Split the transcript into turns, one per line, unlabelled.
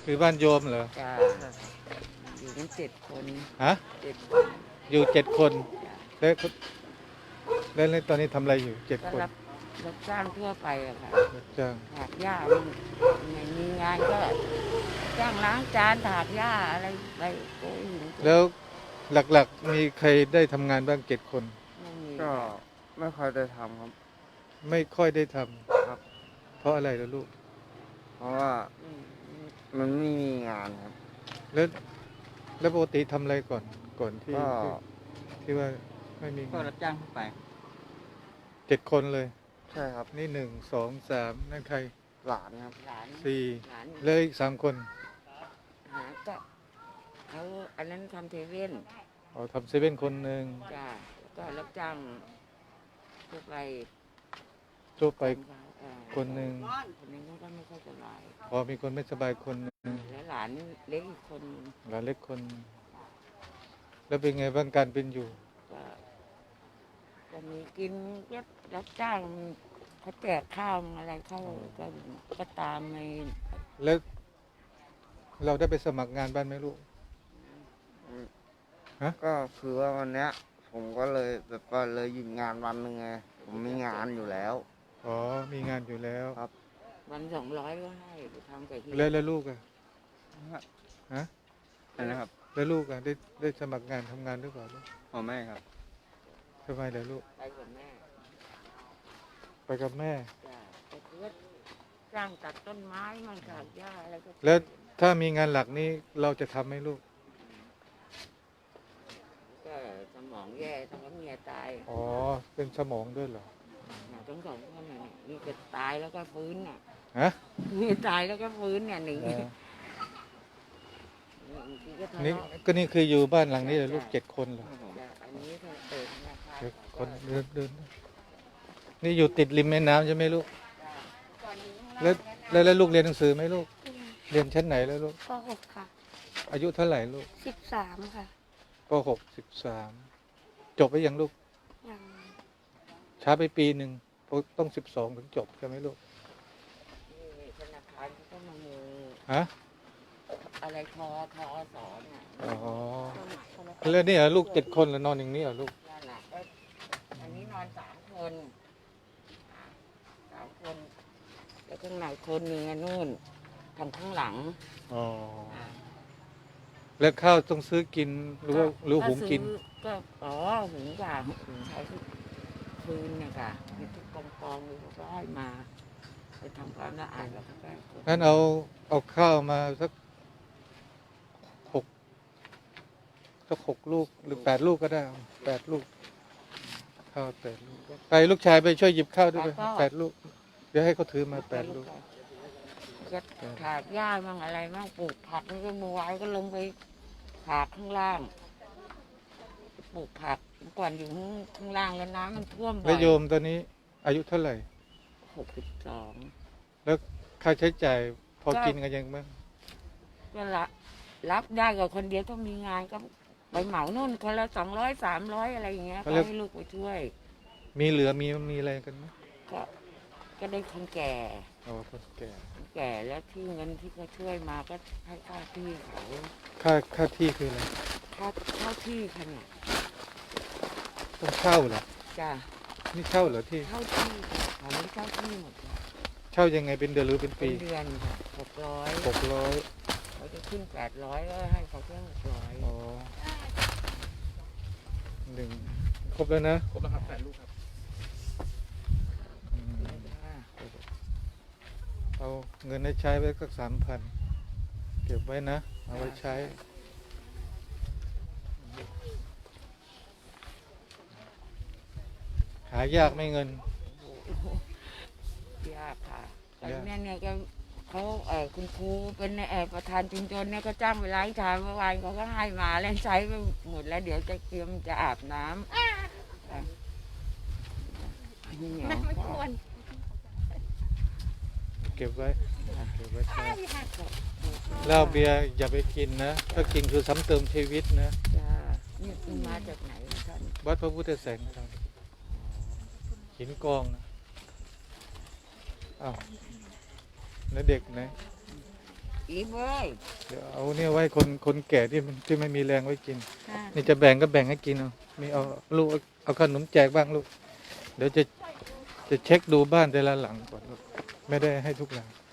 คือบ้านโยมเหรอ
จ้าอยู่กัน7 คน
ฮะ
7 คน
อยู่7 คน
จ้า
แล้วแล้วตอนนี้ทำอะไรอยู่เจ็ด
ก็
คน
รับจ้างทั่วไปอะค่ะ
รับจ้าง
ถากหญ้าไม่มีงานก็จ้างล้างจานถากหญ้าอะไรไปโอ้ย
แล้วหลักๆมีใครได้ทำงานบ้าง7 คน
ไม่มี
ก็ไม่ค่อยได้ทำครับ
ไม่ค่อยได้ทำ
ครับ
เพราะอะไรล่ะลูก
เพราะว่า
อืม
มันไม่มีงานครับ
แล้วแล้วปกติทำอะไรก่อนที่
ก็
ที่ว่าไม่มี
ก็
งาน
รับจ้างทั่วไป
7 คนเลย
ใช่ครับ
นี่1 2 3นั่นใคร
หลานครับ
หลาน
สี่
หลาน
เลยอีก3 คน
หาก็เขาอันนั้นทำเทเว่น
อ๋อทำ7 คนหนึ่ง
จ้าก็รับจ้างทั่วไป
ทั่วไป
ทำเขา
คนหนึ่ง
คนนึงก็ไม่ค่อยสบาย
พอมีคนไม่สบายคนหนึ่ง
แล้วหลานเล็กอีกคนนึง
หลานเล็กคน แล้วเป็นไงบ้างการเป็นอยู่
ก็ก็มีกินก็รับจ้างเขาแจกข้าวอะไรเข้าก็ตามใน
แล้วเราได้ไปสมัครงานบ้านไหมลูกฮะ
ก็คือว่าวันเนี้ยผมก็เลยแบบว่าเลยหยุดงานวันหนึ่งไงผมมีงานอยู่แล้ว
อ๋อมีงานอยู่แล้ว
ครับ
วัน200ก็ให้ไปทำกับที่
แล้วลูกอะฮะ
อะไรนะครับ
แล้วลูกอะได้สมัครงานทำงานหรือเปล่าลูก
พ่อแม่ครับ
ทำไมล่ะลูก
ไปกับแม่
ไปกับแม่
จ้ะก็คือว่าจ้างตัดต้นไม้มันถากหญ้าอะไรก็
แล้วถ้ามีงานหลักนี้เราจะทำไหมลูก
ก็สมองแย่ต้องก็เมียตาย
อ๋อเป็นสมองด้วยเหรอ
ทั้ง2 คนน่ะนี่จะตายแล้วก็ฟื้นน่ะ
ฮะ
มีตายแล้วก็ฟื้นเนี่ยหนี
นี่ก็นี่คืออยู่บ้านหลังนี้เลยลูก7 คนเหรอ
อันนี้ก็เปิดธนาคาร
คนเดินนี่อยู่ติดริมแม่น้ำใช่ไหมลูกแล้วลูกเรียนหนังสือไหมลูกเรียนชั้นไหนแล้วลูก
ป .6 ค่ะ
อายุเท่าไหร่ลูก
13ค่ะ
ป .6 13จบไปยังลูก
ยัง
ช้าไปปีหนึ่งต้อง12ถึงจบใช่ไหมลูก
ธนาคารก็มามือ
ฮะ
อะไรทอสอนอ่ะ
อ๋อแล้วนี่เหรอลูก7 คนแล้วนอนอย่างนี้เหรอลูก
นั่นแหละอันนี้นอน3 คนแล้วข้างในคนนึงนู่นทางข้างหลัง
อ๋อแล้วข้าวต้องซื้อกินหรือว่าหุงกิน
ก็หุงค่ะใช้คืนเนี่ยค่ะมีทุกกองเลยก็ให้มาไปทำความสะอาดแล้วก็
งั้นเอาข้าวมาสัก6 ลูกหรือ8 ลูกก็ได้8 ลูกข้าว8 ลูกไปลูกชายไปช่วยหยิบข้าวด้วยไป8 ลูกเดี๋ยวให้เขาถือมา8 ลูก
ก็ถากหญ้ามั่งอะไรมั่งปลูกผักนี่ก็มือไว้ก็ลงไปถากข้างล่างปลูกผักก่อนอยู่ข้างล่างแล้วน้ำมันท่วมบ่อย
แล้วโยมตอนนี้อายุเท่าไหร่
62
แล้วค่าใช้จ่ายพอกินกันยังบ้าง
ก็รับได้กับคนเดียวต้องมีงานก็ไปเหมานู่นคนละ200 300อะไรอย่างเงี้ยก็ให้ลูกไปช่วย
มีเหลือมีอะไรกันไหม
ก็ได้คนแก่
คนแ
ก่แล้วที่เงินที่เขาช่วยมาก็ให้ค่าที่เขา
ค่าที่คืออะไร
ค่าที่ค่ะเนี่ย
ต้องเช่าเหรอ
จ้ะ
นี่เช่าเหรอที่
เช่าที่เขาไม่เช่าที่หมด
เช่ายังไงเป็นเดือนหรือเป็นปี
เป็นเดือนค่ะ600เขาจะขึ้น800ก็ให้เขาแค่600
อ๋อครบแล้วนะ
ครบแล้วครับ8 ลูกครับ
เอาเงินให้ใช้ไว้สัก3,000เก็บไว้นะเอาไว้ใช้หายากไม่เงิน
ยากค่ะตอนนี้เนี่ยก็เขาคุณครูเป็นประธานชุมชนเนี่ยก็จ้างไปล้างชามเมื่อวานเขาก็ให้มาแล้วใช้ไปหมดแล้วเดี๋ยวจะเตรียมจะอาบน้ำนี่เหนียว
เก็บไว้ใช้เหล้าเบียร์อย่าไปกินนะถ้ากินคือซ้ำเติมชีวิตนะ
จ้านี่มาจากไหนท่าน
วัดพระพุทธแสงธรรมหินกองนะอ้าวแล้วเด็กไหน
อีเว้ย
เดี๋ยวเอาเนี่ยไว้คนแก่ที่ไม่มีแรงไว้กิน
ค่ะ
นี่จะแบ่งก็แบ่งให้กินเอามีเอาลูกเอาขนมแจกบ้างลูก เดี๋ยวจะเช็คดูบ้านแต่ละหลังก่อนลูกไม่ได้ให้ทุกหลัง